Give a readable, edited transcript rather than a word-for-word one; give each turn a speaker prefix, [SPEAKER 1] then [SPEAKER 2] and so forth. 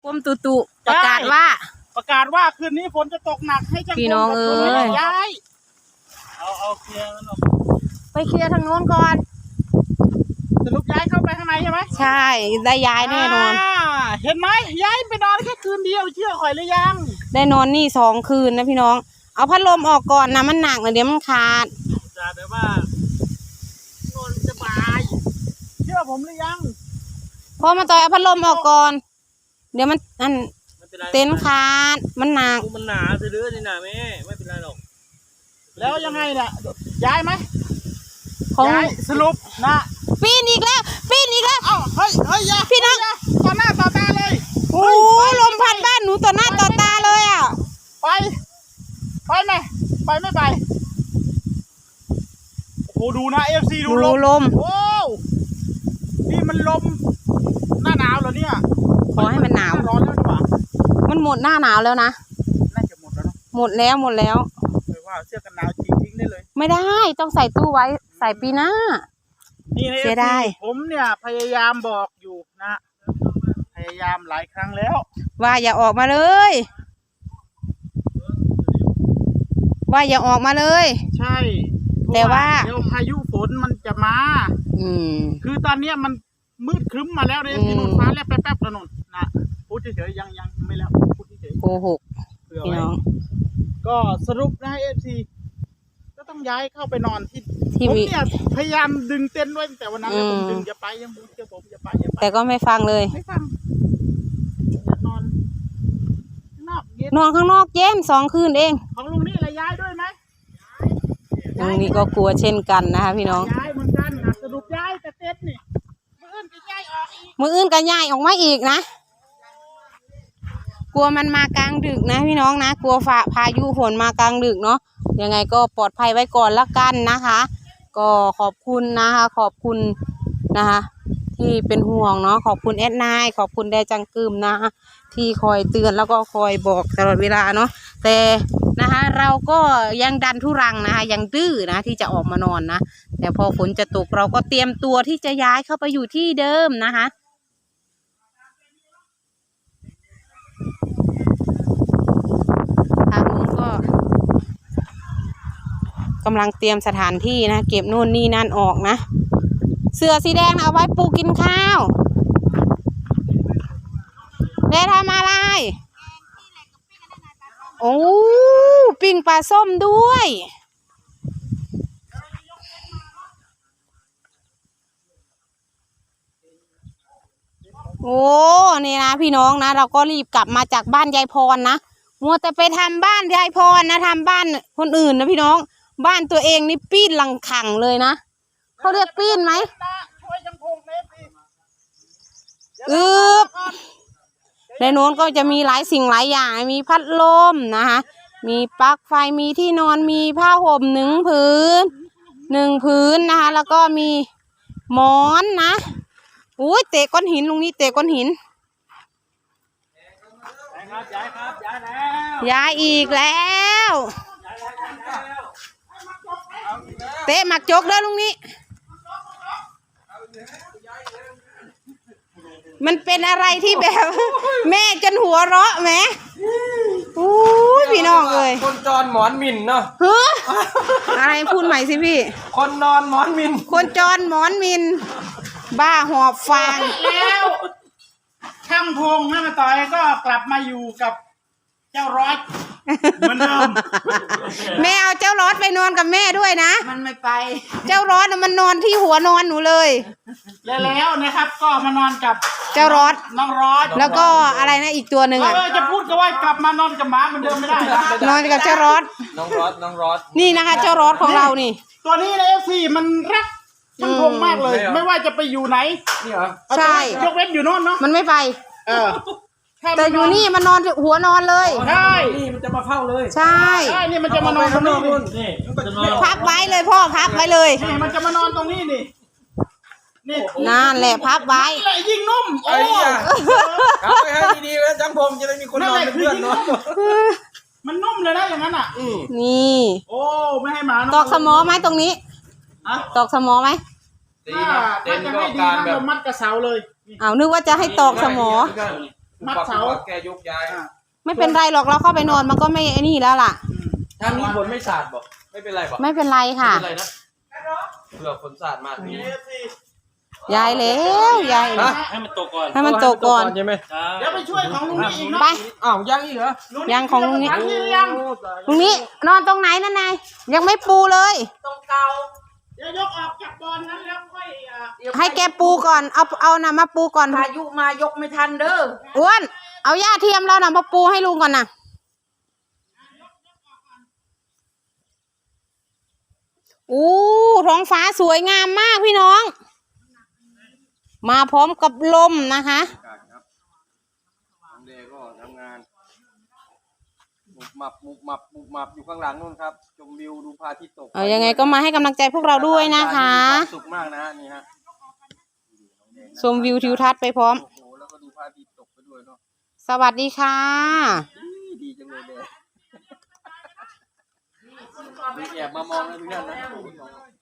[SPEAKER 1] กรมตุตุประกาศว่า
[SPEAKER 2] คืนนี้ฝนจะตกหนักให้ช่าง
[SPEAKER 1] พี่น้องเอ้ย
[SPEAKER 2] ย้ายเอาเคลียร์มันออก
[SPEAKER 1] ไปเคลียร์ทางโน้นก่อน
[SPEAKER 2] สรุปย้ายเข้าไปข้างในใช่ไหม
[SPEAKER 1] ใช่ได้ย้ายแน่นอน
[SPEAKER 2] เห็นไหมย้ายไปนอนแค่คืนเดียวเชื่อข่อยหรือยัง
[SPEAKER 1] ได้นอนนี่2 คืนนะพี่น้องเอาพัดลมออกก่อนนะมันหนักนะเดี๋ยวมันขาด
[SPEAKER 2] จะแบบว่านอนสบายเชื่อผมหรือยัง
[SPEAKER 1] พอมาต่อยเอาพัดลมออกก่อนเดี๋ยวมันเต็นท์ขาดมันหนัก
[SPEAKER 3] มันหนาซื้อๆนี่นะแม่ไม่เป็นไรหรอก
[SPEAKER 2] แล้วยังไงเนี่ยย้ายไหม
[SPEAKER 1] ของ
[SPEAKER 2] ย้ายสรุปนะ
[SPEAKER 1] ปีนอีกแล้ว
[SPEAKER 2] เอ้าเฮ้ยอย่า
[SPEAKER 1] พี่น้อง
[SPEAKER 2] ต่อหน้าต่อตาเลย
[SPEAKER 1] โอ้ลมพัดบ้านหนูต่อหน้าต่อตาเลยอ่ะ
[SPEAKER 2] ไปไหมไปไม่ไปโอ้โหดูนะ FC ดู
[SPEAKER 1] ดูลม
[SPEAKER 2] โอ้นี่มันลมหน้าหนาวเหรอเนี่ย
[SPEAKER 1] ขอให้มันหนาว
[SPEAKER 2] ร้อนแล้วดีกว่า
[SPEAKER 1] มันหมดหน้าหนาวแล้วนะ
[SPEAKER 2] น่าจะหมดแล้วเนาะ
[SPEAKER 1] หมดแล้ว
[SPEAKER 2] เลยว่าเสื้อกันหนาวทิ้งได้เลย
[SPEAKER 1] ไม่ได้ต้องใส่ตู้ไว้ใส่ปีหน้า
[SPEAKER 2] นี่นะ
[SPEAKER 1] เสียดาย
[SPEAKER 2] ผมเนี่ยพยายามบอกอยู่นะพยายามหลายครั้งแล้ว
[SPEAKER 1] ว่าอย่าออกมาเลย ว่าอย่าออกมาเลย
[SPEAKER 2] ใช่
[SPEAKER 1] แต่ว่า
[SPEAKER 2] เดี๋ยวพายุฝนมันจะมา คือตอนเนี้ยมันมืดครึ้มมาแล้วเลยที่นู่นฟ้าแลบแป๊บๆแล้วนู่นนะพูดเฉยๆยังไม่แล้วพูดเฉย
[SPEAKER 1] โกหก
[SPEAKER 2] ๆเผื่อ
[SPEAKER 1] พี่
[SPEAKER 2] ไว้
[SPEAKER 1] น้อง
[SPEAKER 2] ก็สรุปนะเอฟซีก็ต้องย้ายเข้าไปนอนที่
[SPEAKER 1] ที่
[SPEAKER 2] ผม
[SPEAKER 1] วิ
[SPEAKER 2] เนี่ยพยายามดึงเต็นท์ไว้ตั้งแต่วันนั้นแล้วผมดึงอย่าไปยังเชื่อผมอย่าไป
[SPEAKER 1] แต่ก็ไม่ฟังเลย
[SPEAKER 2] ไม่ฟังอยากนอนข้างนอกเย็น
[SPEAKER 1] นอนข้างนอกเย็น2 คืนเอง
[SPEAKER 2] ของลุงนี่อะไรย้ายด้วยไหม
[SPEAKER 1] ตรงนี้ก็กลัวเช่นกันนะคะพี่น้อง
[SPEAKER 2] ย้ายเหมือนกันนะสรุปย้ายแต่เต็นท์นี่มื้ออื่นจะย้ายออกอีก
[SPEAKER 1] มืออื่นก็ย้ายออกมาอีกนะกลัวมันมากลางดึกนะพี่น้องนะกลัวพายุฝนมากลางดึกเนาะยังไงก็ปลอดภัยไว้ก่อนละกันนะคะ ก็ขอบคุณนะคะขอบคุณนะคะที่เป็นห่วงเนาะขอบคุณแอดนายขอบคุณแดจังกึมนะคะที่คอยเตือนแล้วก็คอยบอกตลอดเวลาเนาะแต่นะคะเราก็ยังดันทุรังนะคะยังดื้อนะที่จะออกมานอนนะแต่พอฝนจะตกเราก็เตรียมตัวที่จะย้ายเข้าไปอยู่ที่เดิมนะคะทางนู้นก็กำลังเตรียมสถานที่นะเก็บนู่นนี่นั่นออกนะเสือสีแดงเอาไว้ปูกินข้าวได้ทำอะไรโอ้ปิ้งปลาส้มด้วยโอ้นี่นะพี่น้องนะเราก็รีบกลับมาจากบ้านยายพรนะมัวแต่ไปทำบ้านยายพรนะทำบ้านคนอื่นนะพี่น้องบ้านตัวเองนี่ปีนหลังขังเลยนะเขาเรียกปีนไหม
[SPEAKER 2] ช่วยยังพงเล็บดิ
[SPEAKER 1] ในโน้นก็จะมีหลายสิ่งหลายอย่างมีพัดลมนะคะมีปลั๊กไฟมีที่นอนมีผ้าห่ม1 ผืนนะคะแล้วก็มีหมอนนะอุ้ยเตะก้อนหินลุงนี่เตะก้อนหิน
[SPEAKER 2] ย้ายแล้ว
[SPEAKER 1] ย้ายอีกแล้วเตะหมักจกเด้อลุงนี่มันเป็นอะไรที่แบบ แม่จนหัวเราะแหมอู้พี่น้องเอ้ย
[SPEAKER 3] คนจรหมอนมินเนาะ
[SPEAKER 1] เฮ้ออะไรพูดใหม่สิพี่
[SPEAKER 3] คนนอนหมอนมิน
[SPEAKER 1] คนจรหมอนมินบ้าหอบฟาง
[SPEAKER 2] แล้วช่างพงแม่มาต่อยก็กลับมาอยู่กับเจ้ารอดเหมือนเดิม
[SPEAKER 1] แม่เอาเจ้ารอดไปนอนกับแม่ด้วยนะ
[SPEAKER 2] มันไม่ไป
[SPEAKER 1] เจ้ารอดน่ะมันนอนที่หัวนอนหนูเลย
[SPEAKER 2] แล้วนะครับก็มานอนกับ
[SPEAKER 1] เจ้ารอด
[SPEAKER 2] น้องรอด
[SPEAKER 1] แล้วก็อะไรนะอีกตัวหนึ่ง
[SPEAKER 2] เรา
[SPEAKER 1] อ่ะ
[SPEAKER 2] จะพูดกันว่ากลับมานอนกับหมาเหมือนเดิมไม่ได้นะ
[SPEAKER 1] นอนกับเจ้ารอด
[SPEAKER 3] น้องรอด
[SPEAKER 1] นี่นะคะ เจ้ารอดของเรานี่
[SPEAKER 2] ตัวนี้ในFCมันรักช่างพงมากเลย ไม่ว่าจะไปอยู่ไหน
[SPEAKER 3] นี่เหรอ
[SPEAKER 1] ใช่
[SPEAKER 2] ยกเว้นอยู่โน่นเนาะ
[SPEAKER 1] มันไม่ไป แต่อยู่นี่มันนอนหัวนอนเลย
[SPEAKER 2] ใช่
[SPEAKER 3] นี่มันจะมาเข้าเลย
[SPEAKER 1] ใช่
[SPEAKER 2] ใช่นี่มันจะมานอนตรงนี้นี่
[SPEAKER 3] นี่มันจะนอน
[SPEAKER 1] พับไว้เลยพ่อพับไว้เลย
[SPEAKER 2] นี่มันจะมานอนตรงนี้นี่นี่
[SPEAKER 1] นั่นแหละพับไว้
[SPEAKER 2] นี่แหละยิ่งนุ่มโอ้
[SPEAKER 3] ไอ้ยาครับไปให้ดีๆแล้วจังพงจะได้มีคนนอนเป็นเพื่อนเนาะ
[SPEAKER 2] มันนุ่มเลยนะอย่างนั้นอ่ะ
[SPEAKER 1] นี่
[SPEAKER 2] โอ้ไม่ให้หมาเนาะ
[SPEAKER 1] ตอกสมอไหมตรงนี้
[SPEAKER 2] ฮะ
[SPEAKER 1] ตอกสมอไหม
[SPEAKER 3] ตี
[SPEAKER 2] ถ้า
[SPEAKER 3] เต็น
[SPEAKER 2] จะ
[SPEAKER 3] ก็
[SPEAKER 2] ให้ดี
[SPEAKER 3] การ
[SPEAKER 2] นะ
[SPEAKER 3] แบบ
[SPEAKER 2] เรามัดกระเสาเลย
[SPEAKER 1] เอานึกว่าจะให้ตอกสมอ
[SPEAKER 2] มัดเสา
[SPEAKER 3] แกยกย้าย
[SPEAKER 1] ไม่เป็นไรหรอกเราเข้าไปนอนมันก็ไม่ไอ้นี่แล้วล่ะ
[SPEAKER 3] ทางนี้ฝนไม่สาดบอกไม่เป็นไรบอก
[SPEAKER 1] ไม่เป็นไรค่ะ
[SPEAKER 3] ไม่เป็นไรนะเผื่อฝนสาดมาทีนี้
[SPEAKER 1] ยายแล้วยาย
[SPEAKER 4] ให้มันตกก่อน
[SPEAKER 1] ให้มันตกก่อน
[SPEAKER 3] ใช่ไหม
[SPEAKER 2] เดี๋ยวไปช่วยของลุงนี้อีกเนาะ
[SPEAKER 1] ไป
[SPEAKER 3] อ้าวยังอีกเหรอ
[SPEAKER 1] ยังของลุงนี้
[SPEAKER 2] ทั้งที่ยัง
[SPEAKER 1] ลุงนี้นอนตรงไหนนั่นนายยังไม่ปูเลย
[SPEAKER 2] ตรงเก่าเดี๋ยวยกออกจากบอลนั้นแล้วค่อย
[SPEAKER 1] ให้แกปูก่อนเอาน่ะมาปูก่อน
[SPEAKER 5] พายุมายกไม่ทันเด้อ
[SPEAKER 1] อ้วนเอาหญ้าเทียมเราน่ะมาปูให้ลุงก่อนน่ะอู้ท้องฟ้าสวยงามมากพี่น้อง มาพร้อมกับลมนะคะ
[SPEAKER 3] ครับน้องเดก็ทำงานมุบมับอยู่ข้างหลังนู่นครับชมวิวดูพระอาทิตย์ตก
[SPEAKER 1] เอายังไงก็มาให้กำลังใจพวกเราด้วยนะคะ
[SPEAKER 3] มีความสุขมากนะฮะนี่ฮะ
[SPEAKER 1] ชมวิวทิวทัศน์ไปพร้อม
[SPEAKER 3] โอ้โหแล้วก็ดูพระอาทิตย์ตกไปด้วยเนาะ
[SPEAKER 1] สวัสดีค่ะ
[SPEAKER 3] ดีจังเลยเดมีแอบมามองนะทุกท่านนะ